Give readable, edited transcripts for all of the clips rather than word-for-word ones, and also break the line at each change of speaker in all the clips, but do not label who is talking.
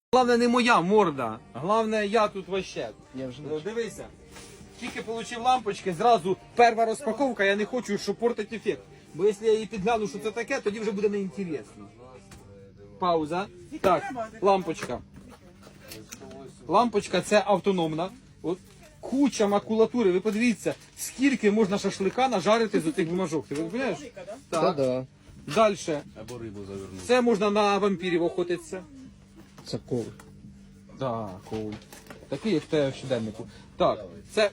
Головне не моя морда, головне я тут вообще.
Я вже
Дивися, тільки отримав лампочки, зразу перша розпаковка, я не хочу, щоб портити ефект. Бо якщо я її підгляну, що це таке, тоді вже буде неінтересно. Пауза. Так, лампочка. Лампочка це автономна. От куча макулатури. Ви подивіться, скільки можна шашлика нажарити з цих бумажок. Ти розумієш? Так.
да.
Далі.
Або рибу завернути.
Це можна на вампірів охотитися.
Це кол.
Так, коуль. Такий, як в тебе в щоденнику. Так, це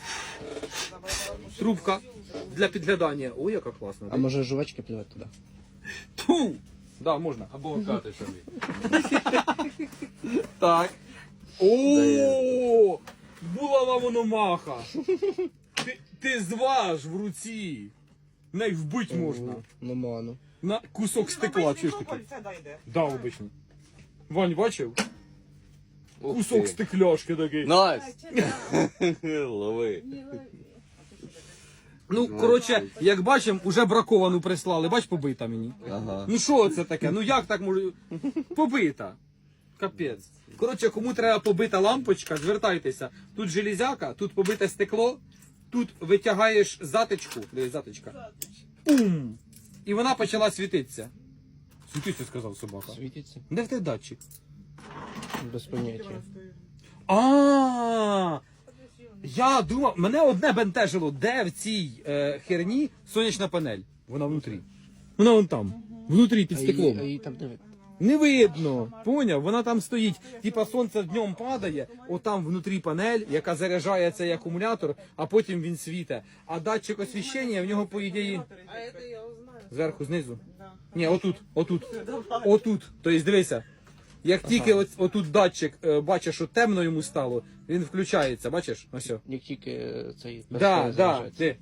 трубка для підглядання. Ой, яка класна.
А може жувачки плювати туди?
Ту! Да, можна.
Або кати собі.
Так. О! Булава мономаха. Ти зваж в руці. Не вбить можна.
Ну, ману.
На кусок стекла, чуєш таке? Да, обично. Вань, бачив? Кусок стекляшки такий.
Настя! Лови.
Ну, коротше, як бачимо, уже браковану прислали. Бач, побита мені.
Ага.
Ну що це таке? Ну як так може? Побита. Капець. Коротше, кому треба побита лампочка, звертайтеся. Тут железяка, тут побите стекло, тут витягаєш затичку. Дивись, затичка. Пум! І вона почала світитися. Світиться, сказав собака.
Світиться?
Де в тебе датчик?
Без поняття.
Я думав, мене одне бентежило, де в цій херні сонячна панель. Вона внутрі. Вона вон там. Внутрі під стеклом.
А її там не видно.
Не видно. Поняв? Вона там стоїть. Типа сонце днем падає, отам внутрі панель, яка заряджає цей акумулятор, а потім він світе. А датчик освіщення в нього по ідеї.
А это я узнаю.
Зверху, знизу?
Да.
Ні, отут. Отут. Тобто дивися. Як тільки отут датчик бачиш, що темно йому стало, він включається, бачиш? Ось.
Як тільки цей
Да. Ти.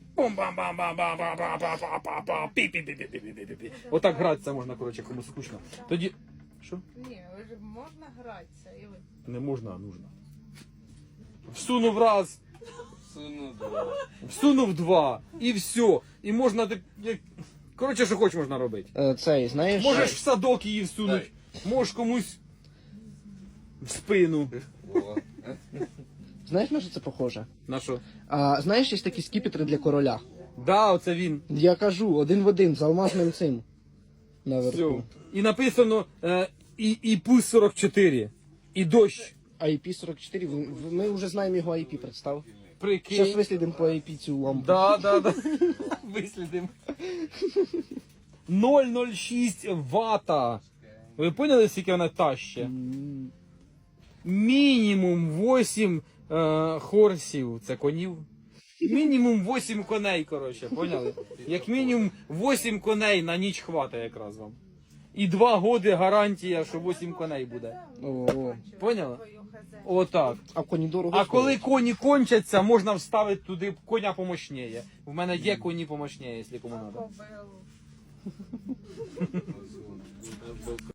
Отак гратися можна, коротше, кому скучно. Тоді. Що?
Не, уже можно граться. И вы...
Не можна, а нужно. Всунув раз,
Суну два.
всунув два, і все. І можна. Коротше, що хоч можна робити.
Цей, знаєш?
Можеш в садок її всунути, можеш комусь в спину.
О.
Знаєш, на що це похоже?
На що?
А знаєш, є такі скіпетри для короля?
Да, оце він.
Я кажу, один в один, з алмазним цим.
Все.
Наверху.
І написано і пус 44, і дощ.
IP44, ми вже знаємо його IP, представ. Зараз
Прикинь.
вислідимо по IP цю лампу.
Да. Вислідимо. 0,06 вата. Ви поняли, скільки вона таще? Мінімум 8 хорсів. Це конів? Мінімум 8 коней, коротше, поняли? Як мінімум 8 коней на ніч хватає якраз вам. І 2 годи гарантія, що 8 коней буде.
О.
Поняла? Отак.
А коні дорого
А коли
стоять.
коні кончаться, можна вставити туди коня помощніє. В мене є коні помощніє, якщо кому треба.
Кобылу.